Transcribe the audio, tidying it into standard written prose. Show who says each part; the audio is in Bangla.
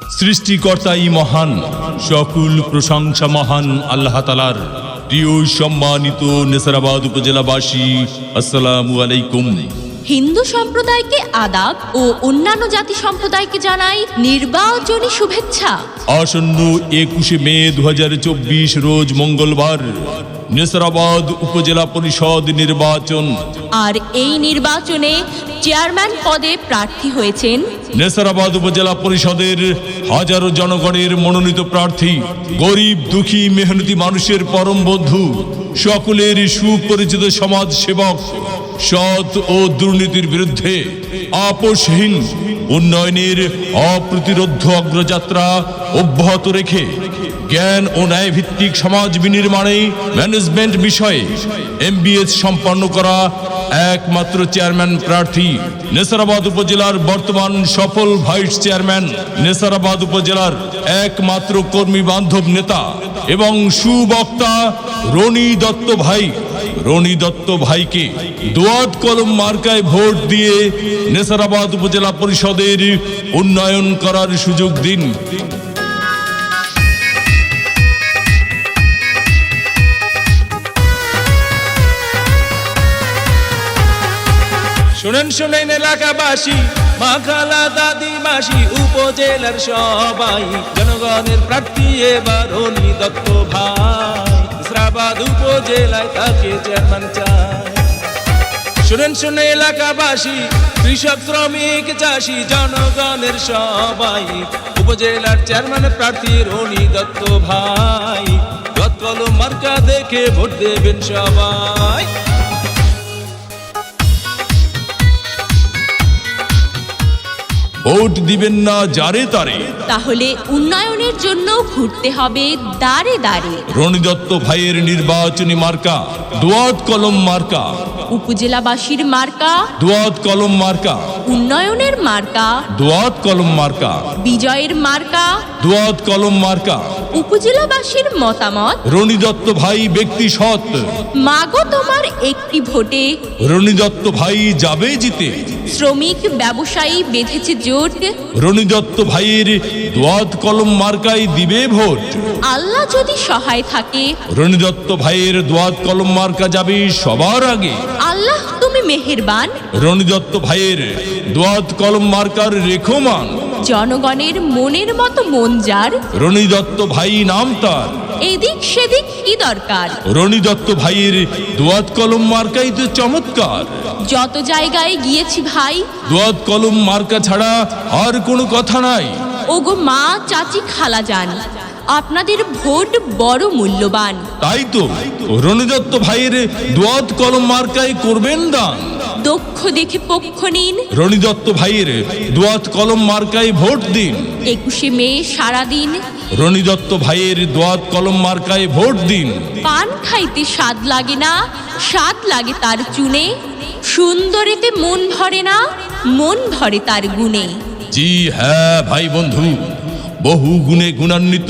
Speaker 1: সৃষ্টিকর্তাই মহান, সকল প্রশংসা মহান আল্লাহ তাআলার। প্রিয় সম্মানিত নেসারাবাদ উপজেলাবাসী, আসসালামু আলাইকুম।
Speaker 2: হিন্দু সম্প্রদায়কে আদাব ও অন্যান্য জাতি সম্প্রদায়কে জানাই নির্বাচনী শুভেচ্ছা।
Speaker 1: আসন্ন 21শে মে 2024 রোজ মঙ্গলবার নেসারাবাদ উপজেলা পরিষদ নির্বাচন।
Speaker 2: আর এই নির্বাচনে চেয়ারম্যান পদে প্রার্থী হয়েছেন
Speaker 1: নেসারাবাদ উপজেলা পরিষদের হাজারো জনগণের মনোনীত প্রার্থী, গরিব দুঃখী মেহনতি মানুষের পরম বন্ধু, সকলের সুপরিচিত সমাজ সেবক, সৎ ও দুর্নীতির বিরুদ্ধে আপোষহীন উন্নয়নের অপ্রতিরোধ্য অগ্রযাত্রা অব্যাহত রেখে জ্ঞান ও ন্যায় ভিত্তিক সমাজ বিনির্মাণে ম্যানেজমেন্ট বিষয়ে MBS সম্পন্ন করা একমাত্র চেয়ারম্যান প্রার্থী, নেসারাবাদ উপজেলার বর্তমান সফল ভাইস চেয়ারম্যান, নেসারাবাদ উপজেলার একমাত্র কর্মী বান্ধব নেতা এবং সুবক্তা রনি দত্ত ভাই। রনি দত্ত ভাইকে দোয়াত কলম মার্কায় ভোট দিয়ে নেসারাবাদ উপজেলা পরিষদের উন্নয়ন করার সুযোগ দিন।
Speaker 3: শুনেন শুনেন এলাকাবাসী, মা খালা দাদি মাসি, উপজেলার সবাই, জনগণের প্রার্থী এবার রনি দত্ত ভাই। নেসারাবাদ উপজেলায় তাকে চেয়ারম্যান চাই। শুনেন শুনে এলাকাবাসী, কৃষক শ্রমিক চাষি, জনগণের সবাই, উপজেলার চেয়ারম্যান প্রার্থী রনি দত্ত ভাই। দোয়াত কলম মার্কা দেখে ভোট দেবেন সবাই।
Speaker 1: ভোট দিবেন না যারে তারে,
Speaker 2: তাহলে উন্নয়নের জন্য ঘুরতে হবে দাঁড়ে দাঁড়ে।
Speaker 1: রনি দত্ত ভাইয়ের নির্বাচনী মার্কা দোয়াত কলম মার্কা,
Speaker 2: উপজেলাবাসীর মার্কা
Speaker 1: দোয়াত কলম মার্কা,
Speaker 2: উন্নয়নের মার্কা,
Speaker 1: দোয়াত কলম মার্কা,
Speaker 2: বিজয়ের মার্কা,
Speaker 1: দোয়াত কলম মার্কা।
Speaker 2: উপজেলাবাসীর মতামত,
Speaker 1: রনি দত্ত ভাই ব্যক্তি সৎ,
Speaker 2: মাগো তোমার একটি ভোটে
Speaker 1: রনি দত্ত ভাই যাবে জিতে।
Speaker 2: শ্রমিক ব্যবসায়ী বেঁধেছে জোট,
Speaker 1: রনি দত্ত ভাইয়ের দোয়াত কলম মার্কায় দিবে ভোট।
Speaker 2: আল্লাহ যদি সহায় থাকে,
Speaker 1: রনি দত্ত ভাইয়ের দোয়াত কলম মার্কা যাবে সবার আগে।
Speaker 2: আল্লাহ তুমি মেহেরবান।
Speaker 1: রনি দত্ত ভাইয়ের দোয়াত কলম মার্কার রেখমান,
Speaker 2: জনগণের মনের মতো মন যার,
Speaker 1: রনি দত্ত ভাই নাম তার।
Speaker 2: এদিক সেদিক কি দরকার,
Speaker 1: রনি দত্ত ভাইয়ের দোয়াত কলম মার্কাই তো চমৎকার।
Speaker 2: যত জায়গায় গিয়েছি ভাই,
Speaker 1: দোয়াত কলম মার্কা ছাড়া আর কোনো কথা নাই।
Speaker 2: ওগো মা চাচি খালা যান, আপনাদের ভোট বড় মূল্যবান।
Speaker 1: তাই তো রনি দত্ত ভাইয়ের দোয়াত কলম মার্কায় করবেন দান।
Speaker 2: দক্ষ দেখে পক্ষ নিন,
Speaker 1: রনি দত্ত ভাইয়ের দোয়াত কলম মার্কায় ভোট দিন।
Speaker 2: 21শে মে সারাদিন
Speaker 1: রনি দত্ত ভাইয়ের দোয়াত কলম মার্কায় ভোট দিন।
Speaker 2: পান খাইতে স্বাদ লাগে না, স্বাদ লাগে তার চুনে, সুন্দরেতে মন ভরে না, মন ভরে তার গুণে।
Speaker 1: জি হ্যাঁ ভাই বন্ধু, বহু গুণে গুণান্বিত